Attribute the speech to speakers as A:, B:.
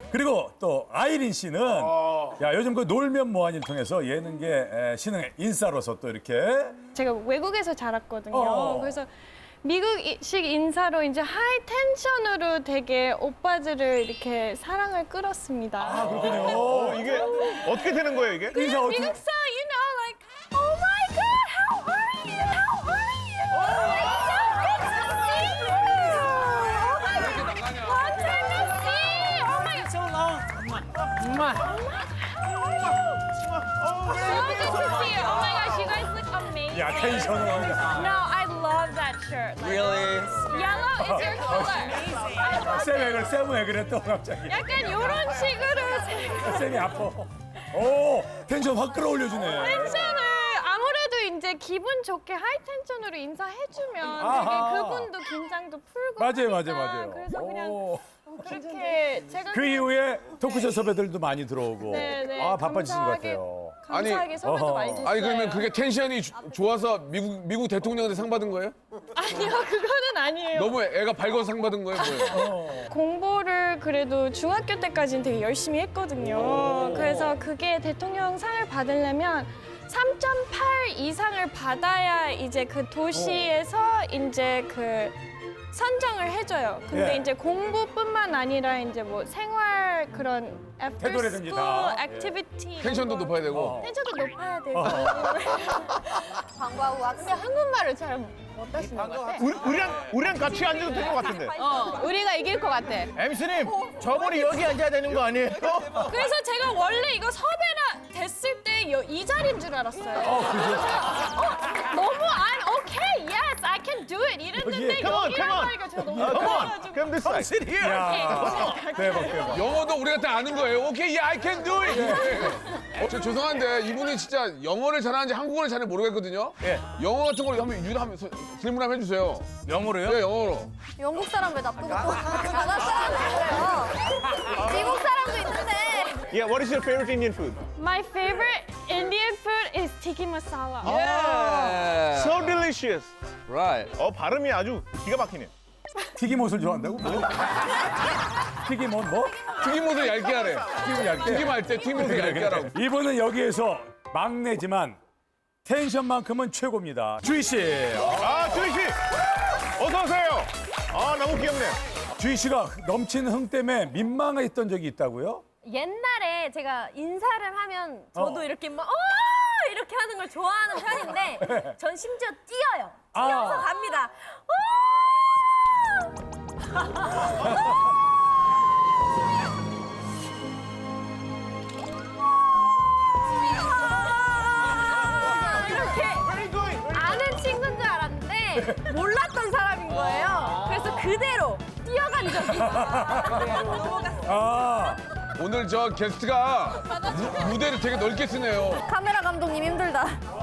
A: 그리고 또 아이린 씨는 야 요즘 그 놀면 뭐하니를 통해서 예능계 신흥 인싸로서 또 이렇게
B: 제가 외국에서 자랐거든요.
A: 어.
B: 그래서 미국식 인사로 이제 하이 텐션으로 되게 오빠들을 이렇게 사랑을 끌었습니다.
A: 아 그렇군요.
C: 이게 어떻게 되는 거예요, 이게?
A: 인사 어떻게?
B: 미국 스타일, you know, like, oh my God, how are you? How are you? It's so good to see you. Oh my God, long time no see. Oh my God,
D: So long. Mwah.
B: so good to see you. Oh my gosh, you guys look amazing.
A: 야 텐션을
B: No, I love that shirt. Like,
D: Really?
B: Yellow is your color.
A: 쌤 왜 그래 또 갑자기
B: 약간 이런 식으로 제가
A: 쌤이 아파. 오 텐션 확 끌어올려주네.
B: 텐션을 아무래도 이제 기분 좋게 하이 텐션으로 인사해주면
A: 아하.
B: 되게 그분도 긴장도 풀고
A: 맞아요
B: 하니까.
A: 맞아요.
B: 그래서 그냥
A: 오.
B: 그렇게 제가
A: 그 이후에 토크쇼 섭외들도 많이 들어오고
B: 네,
A: 아 바빠지신 것
B: 감사하게
A: 같아요.
B: 감사하게 섭외도
A: 어허.
B: 많이 됐어요.
E: 아니 그러면 그게 텐션이 좋아서 미국 대통령한테 상 받은 거예요?
B: 아니요 그거는 아니에요.
E: 너무 애가 밝아서 상 받은 거예요? 뭐예요?
B: 공부를 그래도 중학교 때까지는 되게 열심히 했거든요. 그래서 그게 대통령 상을 받으려면 3.8 이상을 받아야 이제 그 도시에서 이제 그 선정을 해줘요. 근데
A: 예.
B: 이제 공부뿐만 아니라 이제 뭐 생활 그런 after
A: 태도라든지
B: school
A: 다.
B: activity
E: 텐션도
B: 이런 거.
E: 높아야 되고.
B: 텐션도 높아야 되고. 광고하고 와. 근데 한국말을 잘 못하시는 것 같아.
C: 우리랑 같이 앉아도 될 것 같은데.
B: 우리가 이길 것 같아.
C: MC님, 저분이 여기 앉아야 되는 거 아니에요?
B: 그래서 제가 원래 이거 섭외가 됐을 때 이 자리인 줄 알았어요. 너무 I'm okay, yes, I can do it 이랬는데
C: Come on,
B: 여기란
C: come on.
B: 말이가 제가 너무
C: Come on,
B: 놀라가지고.
C: come this side.
A: 야 대박.
E: 영어도 우리가 다 아는 거예요. 오케이, yeah, I can do it. 저 죄송한데 이분이 진짜 영어를 잘하는지 한국어를 잘하는지 모르겠거든요.
A: 예.
E: 영어 같은 걸로 한번 유도하면서 질문 한번 해주세요.
A: 영어로요?
E: 네, 영어로.
F: 영국 사람 왜 나쁘고 또 바다 사람이 있어요? 미국 사람도 있는데.
C: Yeah, what is your favorite Indian food?
B: My favorite Indian food is tikka masala.
D: Yeah.
C: So delicious.
D: Right.
C: 발음이 아주 기가 막히네.
A: 튀김옷을 좋아한다고? 뭐? 튀김옷 뭐?
E: 튀김옷을 얇게 하래.
A: 튀김 얇게.
E: 튀김할 때 튀김옷을 얇게 하라고.
A: 이분은 여기에서 막내지만 텐션만큼은 최고입니다. 주희 씨.
C: 주희 씨, 어서 오세요. 너무 귀엽네.
A: 주희 씨가 넘치는 흥 때문에 민망했던 적이 있다고요?
F: 옛날에 제가 인사를 하면 저도 이렇게 막 이렇게 하는 걸 좋아하는 편인데 전 심지어 뛰어요. 뛰어서 갑니다. 이렇게 아는 친구인 줄 알았는데 몰랐던 사람인 거예요. 그래서 그대로 뛰어간 적이 있어요. 넘어갔어요.
E: 오늘 저 게스트가 무대를 되게 넓게 쓰네요.
F: 카메라 감독님 힘들다.